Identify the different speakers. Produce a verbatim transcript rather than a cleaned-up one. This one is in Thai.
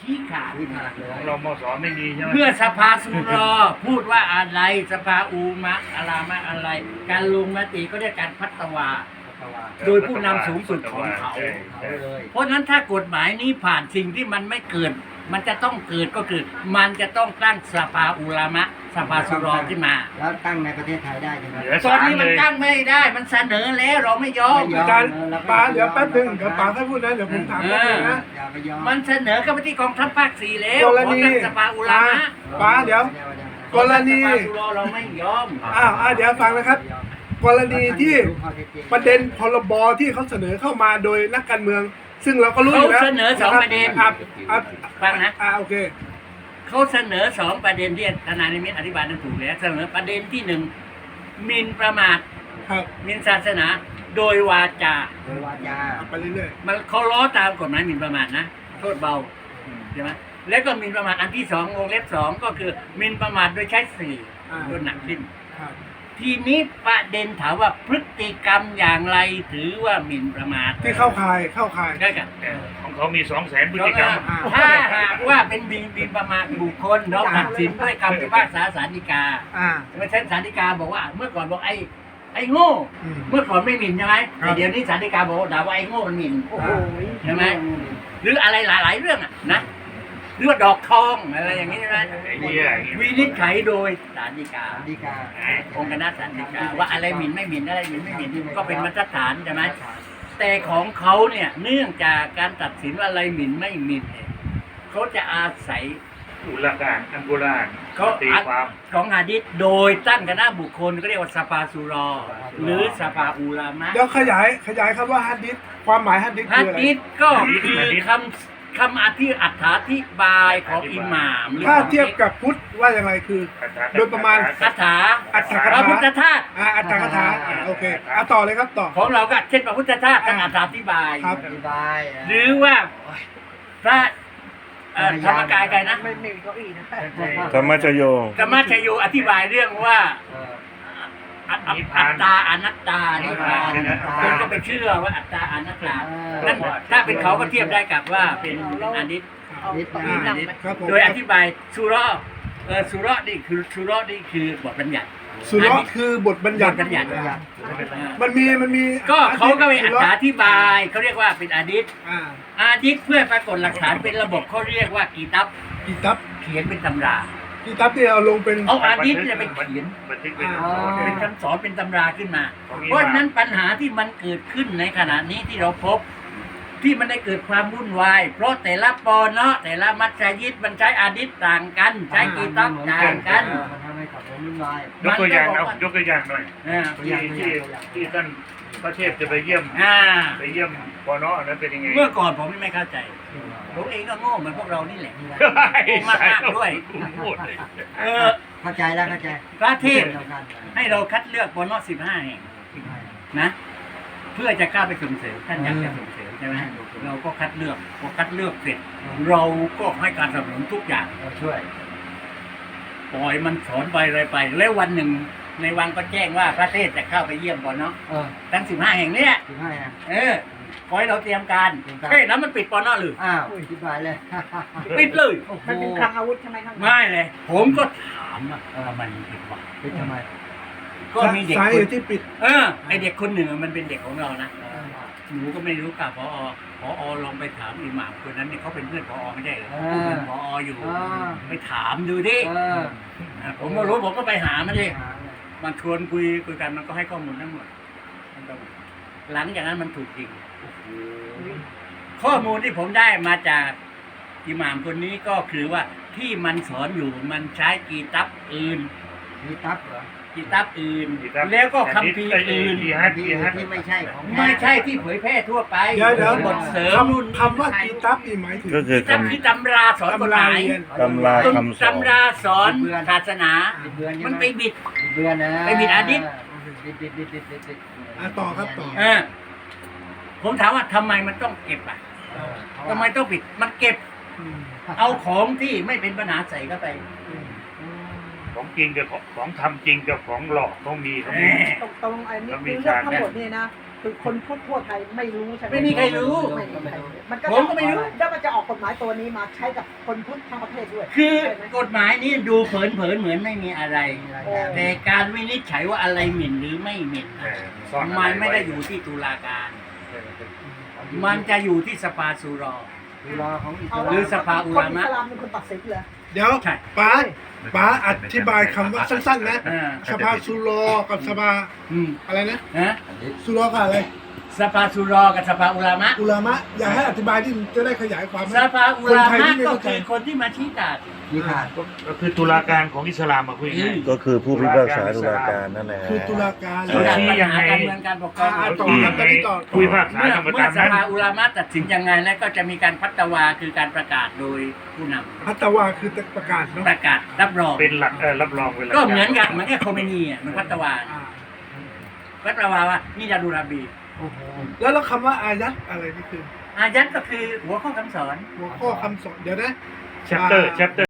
Speaker 1: ชี้ขาด
Speaker 2: ที่ขาดเลย
Speaker 3: ของเรามสไม่มีใช่ไหม
Speaker 1: เมื่อสภาสุรอพูดว่าอะไรสภาอูมะอารามะอะไร การลงมติก็เรียกการพัฒวา โดยผู้นำสูงสุดของเขา
Speaker 3: ใช่
Speaker 2: เขา
Speaker 3: ใช่
Speaker 2: เลย
Speaker 1: เพราะฉะนั้นถ้ากฎหมายนี้ผ่านสิ่งที่มันไม่เกิด มันจะต้องเกิดก็คือ มันจะต้องตั้งสภาอุลามะสภาสุรอขึ้นมา
Speaker 2: แล้วตั้งในประเทศไทยได้ใช่ไหม
Speaker 3: เหลือ
Speaker 1: ตอน
Speaker 3: สาม
Speaker 1: นี้
Speaker 3: เล
Speaker 1: มัน
Speaker 3: ย
Speaker 1: ตั้งไม่ได้มันเสนอแล้วเราไม่ยอม
Speaker 2: ไม่ย
Speaker 4: อาจารย์ป๋าเดี๋ยวแป๊บนึงเดี๋ยวป๋าให้พูดนะเดี๋ยวผมถามแป๊บนึงนะ
Speaker 2: อย่าไปยอม
Speaker 1: มันเสนอเข้าไปที่กองทัพภาคสี่แล้ว
Speaker 4: ก
Speaker 1: ข
Speaker 4: ร
Speaker 1: อ
Speaker 4: ณี
Speaker 1: ตั้งสภาอุลามะ
Speaker 4: ป๋าเดี๋ยว กรณี
Speaker 1: สภาสุรอเราไม่ยอม
Speaker 4: อ้าวอ่าเดี๋ยวฟังนะครับ กรณีที่ประเด็นพรบที่เขาเสนอเข้ามาโดยนักการเมือง ซึ่งเราก็รู้อยู่แล้ว
Speaker 1: เขาเสนอสองประเด็น
Speaker 4: ครับครับ
Speaker 1: ฟังนะ
Speaker 4: อ่าโอเค
Speaker 1: เขาเสนอสองประเด็นที่ทนายนิมิตอธิบายนั้นถูกแล้วเสนอประเด็นที่หนึ่งหมิ่นประมาท
Speaker 4: ครับ
Speaker 1: หมิ่นศาสนา โดยวาจา
Speaker 2: โดยวาจา
Speaker 4: เอาไปเรื่อย
Speaker 1: มันเขาล้อตามกฎหมายหมิ่นประมาทนะโทษเบาใช่ไหมแล้วก็หมิ่นประมาทอันที่สองวงเล็บสองก็คือหมิ่นประมาทโดยใช้สื่อโดนหนักขึ้น
Speaker 4: ๆครับ
Speaker 1: ทีนี้ประเด็นถามว่าพฤติกรรมอย่างไรถือว่าหมิ่นประมาท
Speaker 4: ที่เข้าข่ายเข้าข่าย
Speaker 1: ได้กัน
Speaker 3: แต่ของเขามีสองแสนพฤติกรรม
Speaker 1: ถ้าหากว่าเป็นหมิ่นหมิ่นประมาทบุคคลเราตัดสินด้วยคำพิพากษาศาลฎีกา
Speaker 4: อ่า
Speaker 1: เมื่อเช่นศาลฎีกาบอกว่า เมื่อก่อนบอกไอ้ไอ้โง่
Speaker 4: อืม
Speaker 1: เมื่อก่อนไม่หมิ่นใช่ไหม
Speaker 4: ครับ
Speaker 1: แต่เดี๋ยวนี้ศาลฎีกาบอกว่าด่าว่าไอ้โง่มันหมิ่น
Speaker 2: โอ้โห
Speaker 1: ใช่ไหมหรืออะไรหลาย ๆ เรื่องอ่ะนะหรือว่าดอกทองอะไรอย่างนี้ใช่ไหม
Speaker 3: ไอ้เนี่ย
Speaker 1: วินิจฉัยโดยศาลฎีกา
Speaker 2: ดีกา
Speaker 1: องค์คณะศาลฎีกาว่าอะไรหมิ่นไม่หมิ่นอะไรหมิ่นไม่หมิ่นก็เป็นมาตรฐานใช่ไหมแต่ของเขาเนี่ยเนื่องจากการตัดสินว่าอะไรหมิ่นไม่หมิ่นเนี่ยเขาจะอาศัย
Speaker 3: อุลากานอังกุราน
Speaker 1: เขา
Speaker 3: ตีความ
Speaker 1: ของหะดีษโดยตั้งคณะบุคคลก็เรียกว่าสภาสุรอ หรือสภาอุลามะ
Speaker 4: เดี๋ยวขยายขยายคำว่าฮัดดิษความหมายฮัดดิษ
Speaker 1: ฮะ
Speaker 4: คืออะไร
Speaker 1: ดีษก็คือคำคำอธิอัถาธิบายของอิหม่ามหรือ
Speaker 4: ถ้า
Speaker 1: ของ
Speaker 4: เทียบกับพุทธว่าอย่างไรคือ โดยประมาณ
Speaker 1: คาถา
Speaker 4: อัตถก
Speaker 1: พระพุทธ
Speaker 4: ถา
Speaker 1: ทาส
Speaker 4: อ่าอัตถกถาอ่าโอเคอ่ะต่อเลยครับต่อ
Speaker 1: ของเราก็เช่นพระพุทธทาสตั้งอัถาธิบาย
Speaker 4: ครับ
Speaker 2: อธิบาย
Speaker 1: หรือว่าพระเอ่อธรรมกายใครนะ
Speaker 2: ไม่มีเก้าอี้นะ
Speaker 5: ธรรมชโย
Speaker 1: ธรรมชโยอธิบายเรื่องว่า
Speaker 2: เออ
Speaker 1: อัตอัตอัตตาอนัตตานี่ว่าคนก็ไปเชื่อว่าอัตตาอนัตตานั่นถ้าเป็นเขาก็เทียบได้กับว่าเป็นเป็นอนิจ
Speaker 2: นิด
Speaker 4: อ่า
Speaker 2: นะ
Speaker 4: ครับผม
Speaker 1: โดยอธิบายสุราะห์เออสุราะห์นี่คือสุราะห์นี่คือบทบัญญัติ
Speaker 4: สุเราะห์คือบทบัญญัติ
Speaker 1: บทบัญญัติ
Speaker 4: มันมีมันมี
Speaker 1: ก็เขาก็ไปอ
Speaker 4: สุเราะห์
Speaker 1: ธิบายเขาเรียกว่าเป็นอาดิษ
Speaker 4: อ่า
Speaker 1: อาดิษเพื่อปรากฏหลักฐานเป็นระบบเขาเรียกว่ากีตับ
Speaker 4: กีตับ
Speaker 1: เขียนเป็นตำรา
Speaker 4: กีตับที่เอาลงเป็น
Speaker 1: เอาอาดิษเนี่ยไปเขียน
Speaker 3: บันทึกเป็น
Speaker 4: อ๋อ
Speaker 1: เป็นคำสอนเป็นตำราขึ้นมา
Speaker 3: ของอิหม่าม
Speaker 1: เพราะฉะนั้นปัญหาที่มันเกิดขึ้นในขณะนี้ที่เราพบ ที่มันได้เกิดความวุ่นวายเพราะแต่ละปอเนาะแต่ละมัสยิดมันใช้อาดิษต่างกัน ใช้กีตับต่างกัน
Speaker 2: มันทำให้ขับรถวุ่นวาย
Speaker 3: ยกตัวอย่างเอายกตัวอย่างหน่อย
Speaker 1: อ่า
Speaker 3: ที่ที่ที่ท่านพระเทพจะไปเยี่ยม
Speaker 1: อ่า
Speaker 3: ไปเยี่ยมปอนอนั้นเป็นยังไง
Speaker 1: เมื่อก่อนผมไม่เข้าใจผมเองก็โง่เหมือนพวกเรานี่แหละ
Speaker 3: ใช่
Speaker 1: มากๆด้วย
Speaker 3: พูดเลย
Speaker 1: เออ
Speaker 2: เข้าใจแล้วเข้าใจ
Speaker 1: พระเทพ
Speaker 2: เดียวกัน
Speaker 1: ให้เราคัดเลือกปอนอสิบห้าแห่งนะ เพื่อจะกล้าไปส่งเสริมท่านอยากจะส่งเสริมใช่ไหมเราก็คัดเลือกพอคัดเลือกเสร็จ เราก็ให้การสนับสนุนทุกอย่าง
Speaker 2: เราช่วย
Speaker 1: ปล่อยมันสอนไปอะไรไป แล้ววันหนึ่งในวังก็แจ้งว่าพระเทพจะเข้าไปเยี่ยมปอนอ
Speaker 2: เออ
Speaker 1: ทั้งสิบห้าแห่งเนี้ย
Speaker 2: ถึงให้นะ
Speaker 1: เออขอให้เราเตรียมการ
Speaker 2: เตรียมการ
Speaker 1: เฮ้ยแล้วมันปิดปอนอหรือ
Speaker 2: อ้าวอธิบายเลย
Speaker 1: ปิดเลย
Speaker 2: โอ้โห
Speaker 6: มันเป็นคลังอาวุธใช่ไหมครับ
Speaker 1: ไม่เลย ผมก็ถามว่าเออมันผิดวะ
Speaker 2: ปิดทำไม
Speaker 1: ก็มีเด็ก
Speaker 4: สา
Speaker 1: ค
Speaker 4: เห
Speaker 1: น
Speaker 4: ตุที่ปิด
Speaker 1: เออไอเด็กคนหนึ่งมันเป็นเด็กของเรานะหนูก็ไม่รู้กับพอพอลองไปถามอิหม่ามคนนั้นเนี่ยเขาเป็นเพื่อนพอไม่ได้เหรอพูดเป็นพออยู่
Speaker 2: อ่า
Speaker 1: ไปถามดูดิ
Speaker 2: เออ
Speaker 1: ผมก็รู้ผมก็ไปหามันดิมันชวนคุยคุยกันมันก็ให้ข้อมูลทั้งหมดมันก็หลังจากนั้นมันถูกจริงข้อมูลที่ผมได้มาจากอิหม่ามคนนี้ก็คือว่าที่มันสอนอยู่มันใช้กีตับอื่น
Speaker 2: มีตับเหรอ
Speaker 1: กีตับอื่น
Speaker 3: กีตับ
Speaker 1: แล้วก็คัมภีร์อื่น
Speaker 3: ที่ฮัท
Speaker 2: ที่
Speaker 3: ที่ฮัท
Speaker 2: ที่ไม่ใช่ของแท้
Speaker 1: ไม่ใช่ที่เผยแพร่ทั่วไป
Speaker 4: เดี๋ยวเดี๋ยว
Speaker 1: บทเสริมรุ่น
Speaker 4: คำคำว่ากีตับนี่หมายถึง
Speaker 5: ก็คือ
Speaker 1: กีตับคือตำราสอนกฎห
Speaker 4: ตำราม
Speaker 1: าย
Speaker 4: เรียน
Speaker 5: ตำราคำสอน
Speaker 1: ตำราสอนศาสนา
Speaker 2: บิดเบือนใช่ห
Speaker 1: มันไปบิด
Speaker 2: บิดเบือนนะ
Speaker 1: ไปบิดอาทิตย์
Speaker 2: บิดบิดบิดบิดบิดบิด
Speaker 4: อ่ะต่อครับต่อ
Speaker 1: เออผมถามว่าทำไมมันต้องเก็บอ่ะ
Speaker 2: เออ
Speaker 1: ทำไมต้องปิด มันเก็บ เอาของที่ไม่เป็นปัญหาใส่เข้าไป
Speaker 3: ของจริงกับของของทำจริงกับของหลอกต้องมีต้อง
Speaker 1: แห
Speaker 3: มี
Speaker 1: ม
Speaker 6: ตรงตรงไอ้นี่
Speaker 3: แล้วมี
Speaker 6: คือเรื่อง
Speaker 3: ฉาก
Speaker 6: ทั้งหมดเนี่ยนะคือคนทั่วๆไทยไม่รู้ใช่ไหม
Speaker 1: ไม่มีใครรู้
Speaker 6: ไม่มีใครรู้มันก็
Speaker 1: ผมก็ไม่รู้
Speaker 6: แล้วมันจะออกกฎหมายตัวนี้มาใช้กับคนพุทธทั้งประเทศด้วย
Speaker 1: คือ
Speaker 6: ใช่ไหม
Speaker 1: กฎหมายนี้ดูเผินๆเหมือนไม่มีอะไร
Speaker 6: โอ้
Speaker 1: แต่การวินิจฉัยว่าอะไรหมิ่นหรือไม่หมิ่น
Speaker 3: เออซ่อนอะร
Speaker 1: มันไม่ได้
Speaker 3: ว้
Speaker 1: อยู่ที่ตุลาการ มันจะอยู่ที่สภาสุรอ
Speaker 2: เวลาของอิส
Speaker 6: เอา
Speaker 2: ลาม
Speaker 1: หรือสภาอุลามะ
Speaker 6: คนอิสลามเป็นคนตัดสินเลย
Speaker 4: เดี๋ยว
Speaker 1: ใช่
Speaker 4: ป๋าป๋าอธิบายคำว่าสั้นๆนะ
Speaker 1: อ่า
Speaker 4: สภาสุรอกับสภา
Speaker 1: อืม
Speaker 4: อะไรนะ
Speaker 1: ฮะ
Speaker 4: สุรอกับอะไร
Speaker 1: สภาสุรอกับสภาอุลามะ
Speaker 4: อุลามะอยากให้อธิบายที่จะได้ขยายความไหม
Speaker 1: สภาอุลา
Speaker 4: คนไทย
Speaker 1: มะ
Speaker 4: ที่ไม่
Speaker 1: ก็
Speaker 4: เข้าใจ
Speaker 1: คือคนที่มาชี้ขาด
Speaker 2: ที่ขาด
Speaker 3: ก็คือตุลาการของอิสลามมาคุยง่าย
Speaker 5: ก็คือผู้พิพากษาตุลาการนั่นแหละ
Speaker 4: คือตุลาการ
Speaker 3: เออ
Speaker 1: การ
Speaker 3: ชี้
Speaker 1: ปัญ
Speaker 3: ยัง
Speaker 1: หา
Speaker 3: ไง
Speaker 1: การเมืองการปกครอง
Speaker 4: อ่า
Speaker 3: เขา
Speaker 4: ต่อ
Speaker 3: ชี้
Speaker 4: ครั
Speaker 3: ยั
Speaker 4: บ
Speaker 3: ง
Speaker 4: ตอน
Speaker 3: ไง
Speaker 4: นี้ต่อ
Speaker 3: ผู้พิพากษา
Speaker 1: เมื่อ
Speaker 3: ทำมา
Speaker 1: เมื่อ
Speaker 3: ตาม
Speaker 1: ส
Speaker 3: นั้น
Speaker 1: ภาอุลามะตัดสินยังไงแล้วก็จะมีการพัตวาคือการประกาศโดยผู้นำ
Speaker 4: พัตวาคือประกาศเนาะ
Speaker 1: ประกาศรับรอง
Speaker 3: เป็นหลักเออรับรองเป็นหลัก
Speaker 1: ก็เหมือนกับเหมือนกับโคเมนีอ่ะมันพัตวา
Speaker 4: อ่า
Speaker 1: พัตวาว่านี่ดาดูราบี
Speaker 4: โอ้โหแล้วแล้วคำว่าอายัดอะไรนี่คือ
Speaker 1: อายัดก็คือหัวข้อคำสอน
Speaker 4: หัวข้อคำสอนเดี๋ยวนะ
Speaker 3: แชปเตอร์แชปเตอร์